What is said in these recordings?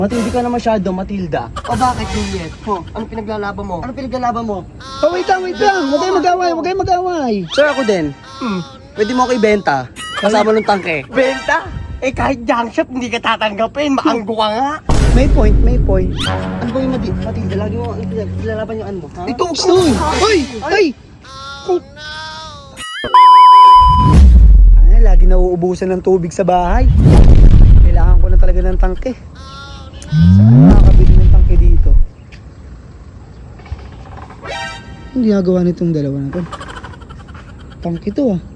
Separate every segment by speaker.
Speaker 1: Matindi ka na masyado, Matilda.
Speaker 2: O bakit, Juliet? Ano pinaglalaban mo? Ano pinaglalaban mo?
Speaker 3: Oh, wait lang. Huwag kayong mag-away, huwag kayong mag-away.
Speaker 1: Sir, ako din. Pwede mo ako ibenta. Kasama ng tangke.
Speaker 2: Benta? Eh kahit junk shop, hindi ka tatanggapin. Maanggo ka nga.
Speaker 3: May point.
Speaker 1: Ano ba yung Matilda? Lagi mo pinilalaban yung ano mo, ha?
Speaker 2: Ito,
Speaker 3: Ay! Ay, lagi nauubusan ng tubig sa bahay. Kailangan ko na talaga ng tangke. Saan nakakabili ng tangke dito? Ang ginagawa nitong dalawa na to? Tangke to ah.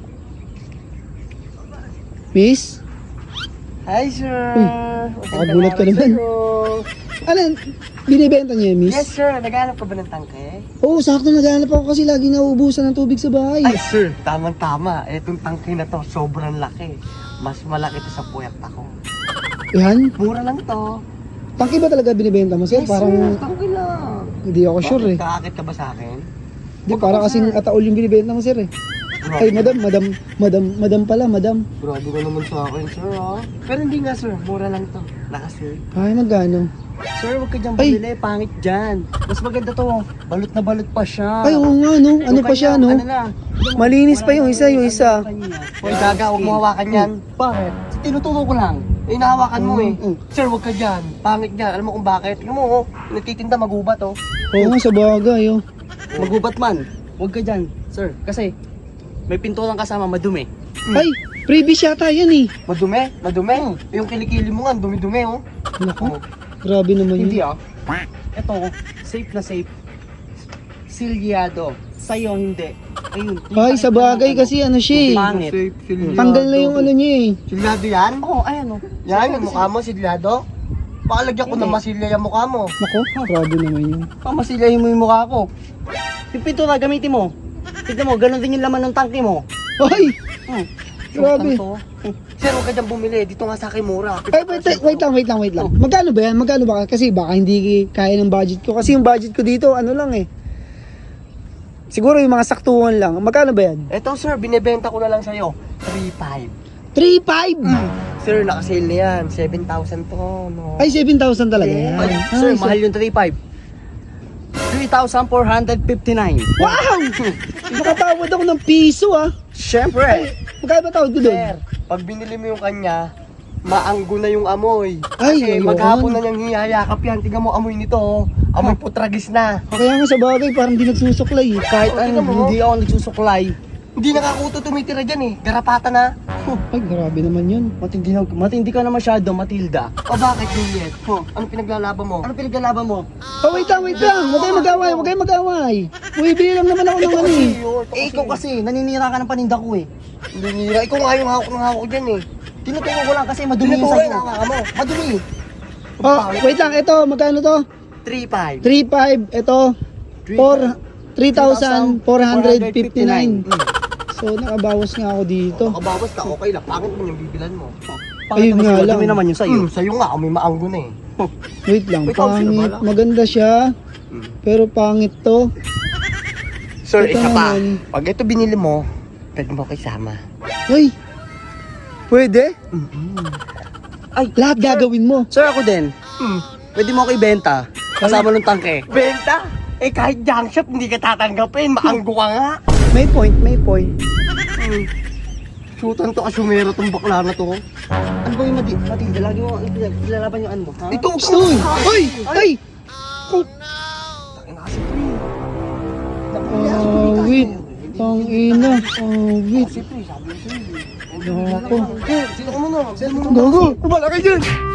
Speaker 3: Miss?
Speaker 2: Hi, sir.
Speaker 3: Uy, nakagulat ka naman. Ano, binibenta niyo yan, miss?
Speaker 2: Yes, sir. Naghanap ka ba ng tangke?
Speaker 3: Oo, sakto naghahanap ako kasi lagi nauubusan ng tubig sa bahay.
Speaker 2: Ay, sir. Tama-tama. Etong tangke na to, sobrang laki. Mas malaki to sa puyat ako.
Speaker 3: Yan?
Speaker 2: Mura lang to.
Speaker 3: Tangke ba talaga binibenta mo, sir?
Speaker 2: Yes,
Speaker 3: Parang
Speaker 2: sir. Tangke lang.
Speaker 3: hindi ako sure eh.
Speaker 2: Kakakit ka ba sa akin?
Speaker 3: Hindi, parang kasing ataol yung binibenta mo, sir eh. Ay, madam pala.
Speaker 2: Grabe ka naman sa akin, sir, ha? Pero hindi nga, sir. Mura lang to. Naka-sir.
Speaker 3: Ay, magkano?
Speaker 2: Sir, huwag ka dyan
Speaker 3: Ay!
Speaker 2: bumili. Pangit dyan. Mas maganda to. Balot na balot pa siya.
Speaker 3: Ay, oo nga, no? Ano
Speaker 2: Yung
Speaker 3: pa siya,
Speaker 2: kanya,
Speaker 3: no?
Speaker 2: Ano na?
Speaker 3: Malinis pa yung isa.
Speaker 2: Hoy, Gaga, huwag mo hawakan yan. Bakit? Tinuturo ko lang. Eh, nahawakan mo eh. Sir, huwag ka dyan. Pangit dyan. Alam mo kung bakit? Tingnan mo, oh. Nagtitinda, magubat, oh.
Speaker 3: Oo nga, sa bagay, oh.
Speaker 1: Magubat man. Huwag ka dyan, sir. Kasi may pintulang kasama, madumi.
Speaker 3: Ay, previous yata yan eh.
Speaker 2: Madumi? Madumi? Yung kilikili mo nga, dumi-dumi, oh.
Speaker 3: Naku, grabe naman
Speaker 1: Hindi
Speaker 3: yun.
Speaker 1: Ito, safe na safe. Silyado. Sa'yo, hindi. Ayun.
Speaker 3: Ay, sa bagay kasi ano siya eh.
Speaker 1: Pangit.
Speaker 3: Tanggal na yung ano niya eh.
Speaker 2: Silyado yan?
Speaker 1: Oo, ayan o.
Speaker 2: Yan, yung mukha mo, silyado? Baka lagyan ko ng masilya yung mukha mo.
Speaker 3: Naku, grabe naman yun.
Speaker 1: Pamasilyahin mo yung mukha ko. Yung pintura, gamitin mo. Tignan mo, ganun din yung laman ng tangke mo.
Speaker 3: Ay, grabe.
Speaker 2: Sir, huwag ka dyan bumili. Dito nga sa akin mura.
Speaker 3: Ay, wait lang. Magkano ba yan? Magkano ba? Kasi baka hindi kaya ng budget ko. Kasi yung budget ko dito, ano lang eh. Siguro yung mga saktuhan lang. Magkano ba yan?
Speaker 2: Eto sir, binibenta ko na lang sa'yo. 3.5.
Speaker 3: 3.5!
Speaker 2: Sir, nakasale na yan. 7,000 to. No.
Speaker 3: Ay, 7,000 talaga yan.
Speaker 1: Ay, sir, mahal yung 3.5. 3,459.
Speaker 3: Wow! Nakatawad ako ng piso ah.
Speaker 1: Siyempre.
Speaker 3: Magkano ba tawad ko doon?
Speaker 2: Sir, pag binili mo yung kanya, maanggo na yung amoy.
Speaker 3: Ay,
Speaker 2: Kasi
Speaker 3: ayoko.
Speaker 2: maghapon na niyang hihayakap yan. Tingnan mo amoy nito. Oh. Amoy putragis na.
Speaker 3: Kaya nga sa bagay, parang di nagsusuklay eh.
Speaker 1: Kahit
Speaker 2: Oh,
Speaker 1: ano,
Speaker 2: tingnan mo.
Speaker 1: hindi ako nagsusuklay.
Speaker 2: Hindi nakakuto tumitira dyan eh. Garapata na.
Speaker 3: Ay, grabe naman yun.
Speaker 1: Matindi ka na masyado, Matilda.
Speaker 2: O bakit, Juliet? Ano pinaglalaban mo? Ano pinaglalaban mo?
Speaker 3: Oh, wait lang. Huwag kayong mag-away. Uy, bilang naman ako ng ano eh.
Speaker 1: Eh, ikaw kasi, naninira ka ng paninda ko eh.
Speaker 2: Hindi nila. Ikaw nga yung hawak ng hawak dyan eh.
Speaker 1: Tinuturo ko lang kasi madumi yung
Speaker 2: Tinuturo
Speaker 1: sa'yo.
Speaker 2: yung hawak mo.
Speaker 1: Madumi.
Speaker 3: Oh, wait lang. Ito, magkano to?
Speaker 2: 3.5.
Speaker 3: 3.5. Ito, 3,459. So, nakabawas nga ako dito.
Speaker 2: Nakabawas ka, okay lang. Pangit mo yung bibilan mo.
Speaker 3: Ayun nga lang.
Speaker 1: Madumi naman yung sa'yo.
Speaker 2: Sa'yo nga, may maanggo na eh.
Speaker 3: Wait lang,
Speaker 2: Wait lang, sino
Speaker 3: pangit.
Speaker 2: ba?
Speaker 3: Maganda siya. Pero pangit to.
Speaker 2: Sir,
Speaker 3: Ito
Speaker 2: isa pa.
Speaker 3: naman.
Speaker 2: Pag ito binili mo, pwede mo kisama.
Speaker 3: Ay, pwede?
Speaker 1: Ay,
Speaker 3: Lahat gagawin mo.
Speaker 1: sir, ako din. Pwede mo ako ibenta. Kasama ng tangke.
Speaker 2: Benta? Eh kahit junk shop, hindi ka tatanggapin. Maanggo ka nga.
Speaker 3: May point.
Speaker 2: Shootan to kasumero tong bakla na to.
Speaker 1: Ano ba yung Matilda? Lagi mo pinilalaban yung ano mo, ha?
Speaker 2: Ito,
Speaker 3: Uy! Ay! Wait. Tangina. Wait.
Speaker 2: Siyempre, sabi ko sa'yo.
Speaker 3: Nako.
Speaker 2: Sino ka muna? Sino mo
Speaker 3: Gago.
Speaker 2: Kumala ka dyan.